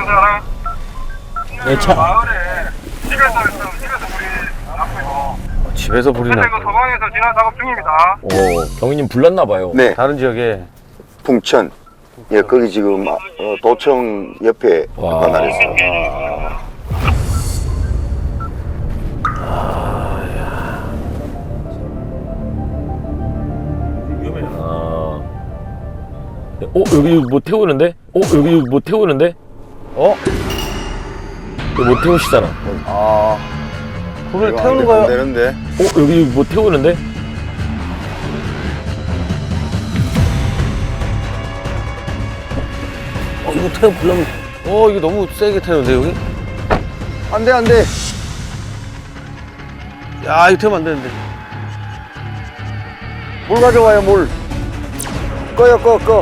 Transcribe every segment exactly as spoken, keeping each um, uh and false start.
사람? 네, 차. 마을에 집에서 있어, 집에서 불이 났고 이거. 집에서 불이 현재 났고. 그 소방에서 진화 작업 중입니다. 오, 경위님 불났나봐요. 네, 다른 지역에. 풍천. 예, 거기 지금 어, 도청 옆에 와. 관할했어요. 아. 어, 여기 뭐 태우는데? 어, 여기 뭐 태우는데? 어? 이거 뭐 태우시잖아. 아, 불을 이거 태우는 안 돼- 거야? 안 되는데. 어, 여기 뭐 태우는데? 어, 이거 태워 불러면. 어, 이거 너무 세게 태우는데, 여기? 안 돼, 안 돼. 야, 이거 태우면 안 되는데. 물 가져와요, 물. 꺼요, 꺼, 꺼.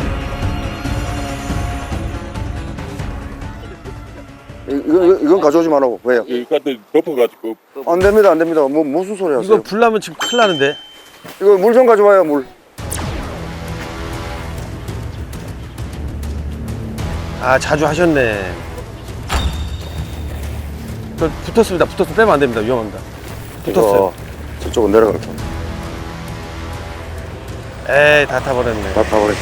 이- 이거, 이거, 이건 가져오지 말라고. 왜요? 이것도 덮어가지고 안 됩니다, 안 됩니다. 뭐, 무슨 소리 하세요? 이거 불 나면 지금 큰일 나는데. 이거 물 좀 가져와요, 물. 아, 자주 하셨네. 저 붙었습니다. 붙었으면 빼면 안 됩니다. 위험합니다. 붙었어요. 이거 저쪽은 내려갈 겁니다. 에이, 다 타버렸네. 다 타버려.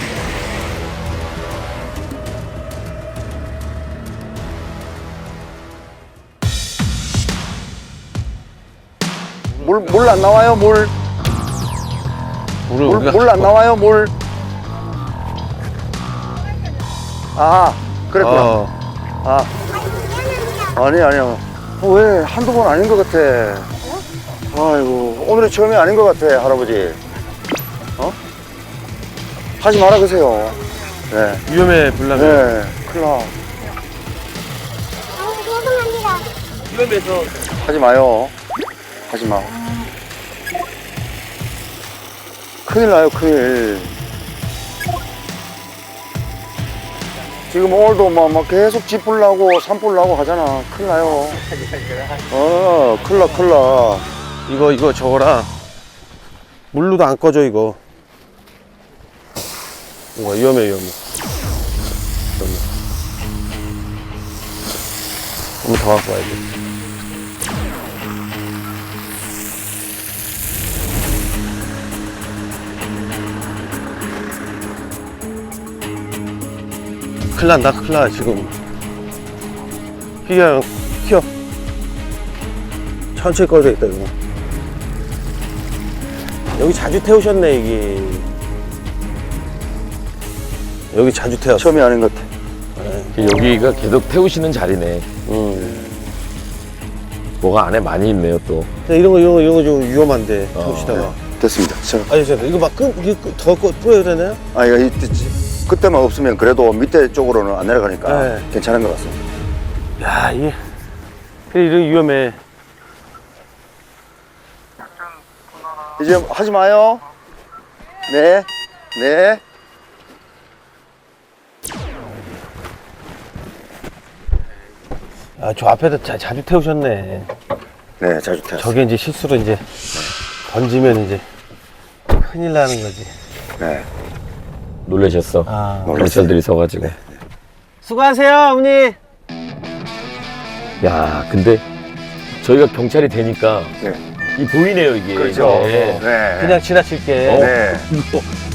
물, 물 안 나와요, 물. 물을 물, 우리가 물 안 나와요, 물. 아, 그랬구나. 어. 아. 아니, 아니요. 어, 왜 한두 번 아닌 것 같아. 아이고, 오늘이 처음이 아닌 것 같아, 할아버지. 어? 하지 말아 그세요. 네. 위험해, 불 나면. 네, 큰일 나. 위험해서. 하지 마요. 하지 마. 큰일 나요, 큰일. 지금 오늘도 막, 막 계속 집불 나고 산불 나고 하잖아. 큰일 나요. 어, 큰일 나, 큰일 나. 이거, 이거 저거랑 물로도 안 꺼져, 이거. 와, 위험해, 위험해. 위험해. 한번 더 갖고 와야 돼. 큰일 난다, 큰일 나, 지금. 휘야, 휘어. 천천히 꺼져있다, 이거. 여기 자주 태우셨네, 이게. 여기 자주 태웠어. 처음이 아닌 것 같아. 여기가 계속 태우시는 자리네. 응. 뭐가 안에 많이 있네요, 또. 근데 이런 거, 이런 거, 이런 거 좀 위험한데, 태우시다가. 네, 됐습니다. 자, 아니, 잠깐 이거 막 끈, 이거 끈- 더 꺼, 뿌려야 되나요? 아, 이거 이- 이- 그때만 없으면 그래도 밑에 쪽으로는 안 내려가니까 네. 괜찮은 것 같습니다. 야, 이게. 그래, 이런 위험해. 이제 하지 마요. 네, 네. 아, 저 앞에도 자, 자주 태우셨네. 네, 자주 태웠어요. 저게 이제 실수로 이제 던지면 이제 큰일 나는 거지. 네. 놀라셨어. 아. 경찰들이 서가지고. 수고하세요, 어머니. 야, 근데 저희가 경찰이 되니까 네. 이 보이네요, 이게. 그렇죠. 네. 네. 그냥 지나칠게. 어? 네. 이거